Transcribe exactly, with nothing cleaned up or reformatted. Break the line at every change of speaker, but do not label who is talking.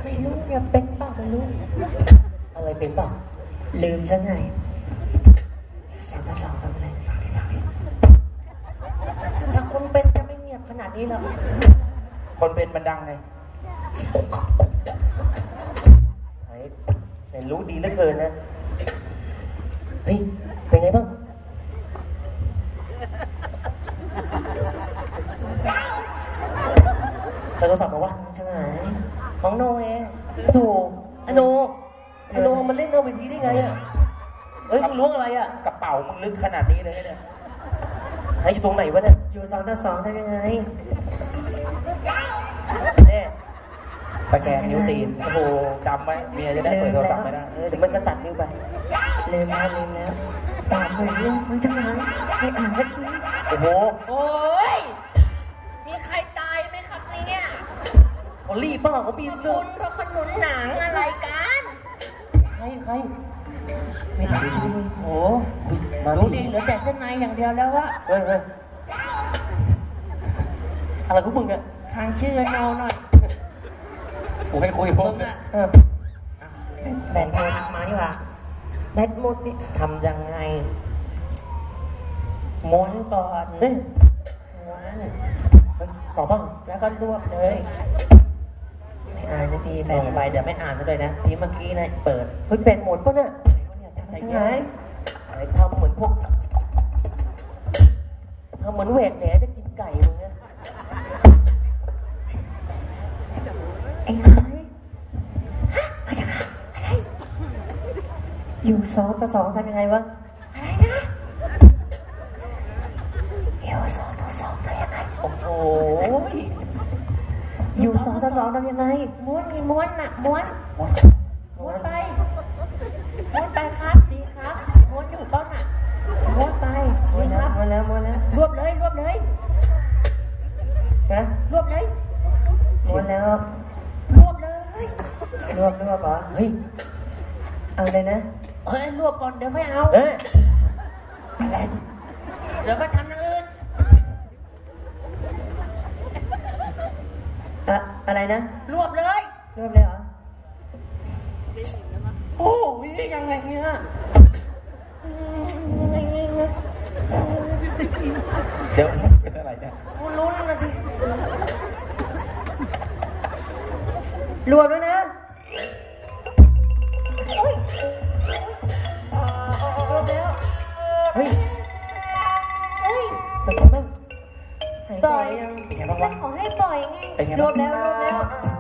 ไม่รู้อย่าเป็นป่ะไม่รู้อะไรเป็นป่ะลืมซะไงสองต่อสองทำอะไรฟังดิฟังดิถ้าคนเป็นจะไม่เงียบขนาดนี้หรอก
คนเป็นมันดังไง
แต่รู้ดีเหลือเกินนะเฮ้ยเป็นไงบ้างโทรศัพท์บอกว่าใช่ไหมของโนเองถูกอโนอโนมันเล่นเอาไปทีได้ไงอ่ะเอ้ยมึงล้วงอะไรอ่ะ
กระเป๋ามึงลึกขนาดนี้เลยเนี่ย
ให้อยู่ตรงไหนวะเนี่ยอยู่สองต่อสองทำยังไงเนี่ย
สแกนนิ้วตีนโอ้โหจำไว้เมียจะได้เปิดโทรศัพท์ไม่ได้
เออเดี๋ยวมันก็ตัดนิ้วไปลืมแล้วลืมแล้วตามผมเรื่องมันจะมาไม่อ่านสักทีโอ้โห
โอ้ยมีใครตายไหมครับเนี่ย
เขารีบบ้าเขาบีบเรื่อง
เขาขนุนหนังอะไรกัน
ใครใครไม่อ่านใช่ไหมโอ้
ดูดิเหลือแต่เส้นในอย่างเดียวแล้ววะ
เฮ้ยเฮ้ยอะไรของมึงอะ
ทางชื่อโนหน่อย
กูให้คุยมึง
อะ
แบ่งโทรทัศน์มานี่ว่าแบตหมดนี่ทำยังไงม้วนก่อนเฮ้ยม้วนต่อบ้างแล้วก็รวบเลยไม่อ่านนาทีแบ่งไปเดี๋ยวไม่อ่านเลยนะทีเมื่อกี้นะเปิดเฮ้ยแบตหมดปะเนี่ยทำไงทำเหมือนพวกทำเหมือนเวทแหนจะกินไก่มึงเนี่ยไอ้ใครอยู่สองต่อสองทำยังไงวะอะไรนะอยู่สองต่อสองทำยังไงโอ้โหอยู่สองต่อสองทำยังไง
ม้วนมีม้วนน่ะม้วนม้วนไปม้วนไปครับดีครับม้วนอยู่เป้าน่ะม้วนไป
ม้วนแล้วม้วนแล้วม้วนแล้ว
รวบเลยรวบเลย
นะ
รวบเลย
ม้วนแล้ว
รวบเลย
รวบรวบเหรอเฮ้ยเอาเลยนะ
เฮ้ยรวบก่อนเดี๋ยวค่อยเอา
เฮ้ย
อะไรเดี๋ยวก็ทำอย่างอื่น
อะอะไรนะ
รวบเลย
รวบเลยเหรอ
โอ้ยยังไงเนี่ย
เดี๋ยวเป็นอะไรเนี่ย
กูลุ้นนะที
รวบแล้วนะรวบแล้วเฮ้ย
เฮ้ย
เป็นไงบ้าง
ปล่อย
เป็นไงบ้างวะ
ขอให้ปล่อยไง
รวบแล้วรวบแล้ว